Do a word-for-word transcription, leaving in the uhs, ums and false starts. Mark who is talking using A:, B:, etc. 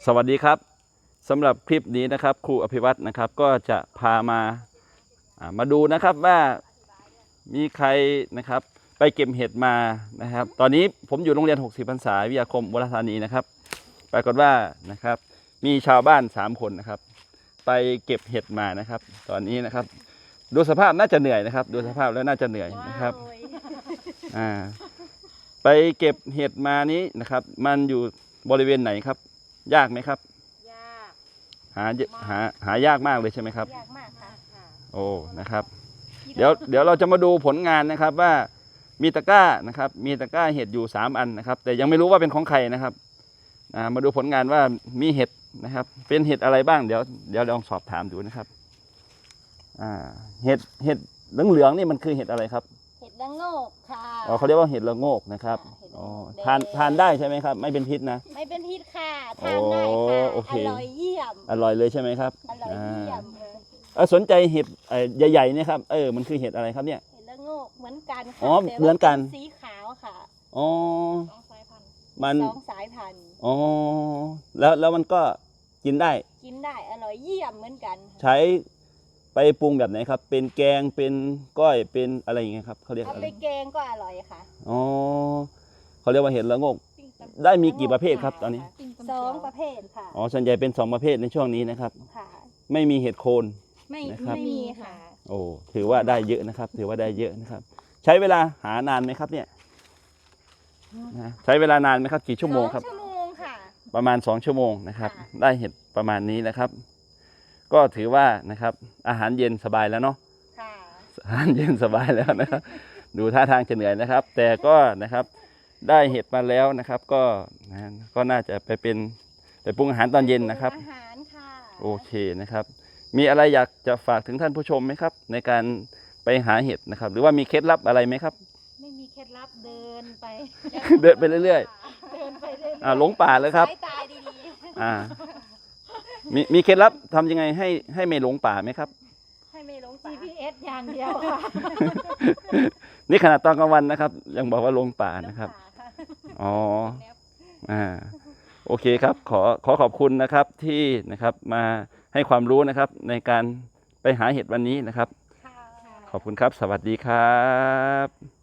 A: สวัสดีครับสำหรับคลิปนี้นะครับครูอภิวัตรนะครับก็จะพามามาดูนะครับว่ามีใครนะครับไปเก็บเห็ดมานะครับตอนนี้ผมอยู่โรงเรียนหกสิบพรรษาวิทยาคมอุบลราชธานีนะครับปรากฏว่านะครับมีชาวบ้านสามคนนะครับไปเก็บเห็ดมานะครับตอนนี้นะครับดูสภาพน่าจะเหนื่อยนะครับดูสภาพแล้วน่าจะเหนื่อยนะครับอ่าไปเก็บเห็ดมานี้นะครับมันอยู่บริเวณไหนครับยากไหมครับ
B: ยาก
A: หาหาหายากมากเลยใช่ไหมครับ
B: ยากมากค่ะ
A: โอ้นะครับเดี๋ยวเดี๋ยวเราจะมาดูผลงานนะครับว่ามีตะกร้านะครับมีตะกร้าเห็ดอยู่สามอันนะครับแต่ยังไม่รู้ว่าเป็นของใครนะครับมาดูผลงานว่ามีเห็ดนะครับเป็นเห็ดอะไรบ้างเดี๋ยวเดี๋ยวลองสอบถามดูนะครับอ่าเห็ดเห็ดเหลืองๆนี่มันคือเห็ดอะไรครับ
B: เห็ดละโงกค่ะ
A: อ๋อเขาเรียกว่าเห็ดละโงกนะครับอ๋อทานทานได้ใช่ไหมครับไม่เป็นพิษนะ
B: ไม่เป็นพิษค่ะทานได้ค่ะอร่อยเยี่ยม
A: อร่อยเลยใช่ไหมครับ
B: อร่อยเยี่ยม
A: เออสนใจเห็ดใหญ่ๆเนี่ยครับเออมันคือเห็ดอะไรครับเนี่ย
B: เห็ดละโงกเหมือนกันค่ะ
A: อ๋อเหมือนกัน
B: สีขาวค่ะ
A: อ๋อ
B: สองสายพันธุ์
A: มัน
B: สองสายพันธุ์
A: อ๋อแล้วแล้วมันก็กินได้
B: กินได้อร่อยเยี่ยมเหมือนกัน
A: ใช้ไปปรุงแบบไหนครับเป็นแกงเป็นก้อยเป็นอะไรอย่างเงี้ยครับเขาเรียก
B: เอา
A: อะไร
B: ไปแกงก็อร่อยค่ะ
A: อ๋อเขาเรียกว่าเห็ดละโงกได้มีกี่ประเภทครับตอนนี้
B: สองประเภทค่ะ
A: อ๋อส่วนใหญ่เป็นสองประเภทในช่วงนี้นะครับ
B: ค่ะ
A: ไม่มีเห็ดโคน
B: ไม่ไม่มีค่ะ
A: โอ้ถือว่าได้เยอะนะครับถือว่าได้เยอะนะครับใช้เวลาหานานไหมครับเนี่ยใช้เวลานานไหมครับกี่ชั่วโมงครับ
B: ชั่วโมงค่ะ
A: ประมาณสองชั่วโมงนะครับได้เห็ดประมาณนี้นะครับก็ถือว่านะครับอาหารเย็นสบายแล้วเนาะอาหารเย็นสบายแล้วนะครับดูท่าทางจะเหนื่อยนะครับแต่ก็นะครับได้เห็ดมาแล้วนะครับก็นะก็น่าจะไปเป็นไปปรุงอาหารตอนเย็นนะครับ
B: อาหารค่ะ
A: โอเคนะครับมีอะไรอยากจะฝากถึงท่านผู้ชมไหมครับในการไปหาเห็ดนะครับหรือว่ามีเคล็ดลับอะไรไหมครับ
B: ไม่มีเคล็ดลับเดินไป
A: เดินไปเรื่อย
B: ๆเดินไปเรื่อยๆ
A: อ่าหลงป่าเลยครับ
B: สายตาดี
A: ๆอ่ามีมีเคล็ดลับทำยังไงให้ให้ไม่หลงป่าไหมครับ
B: ให้ไม่หลง จี พี เอส อย่างเดียวค่ะ
A: นี่ขนาดตอนกลางวันนะครับยังบอกว่าหลงป่านะครับอ๋ออ่าโอเคครับขอขอขอบคุณนะครับที่นะครับมาให้ความรู้นะครับในการไปหาเห็ดวันนี้นะครับขอบคุณครับสวัสดีครับ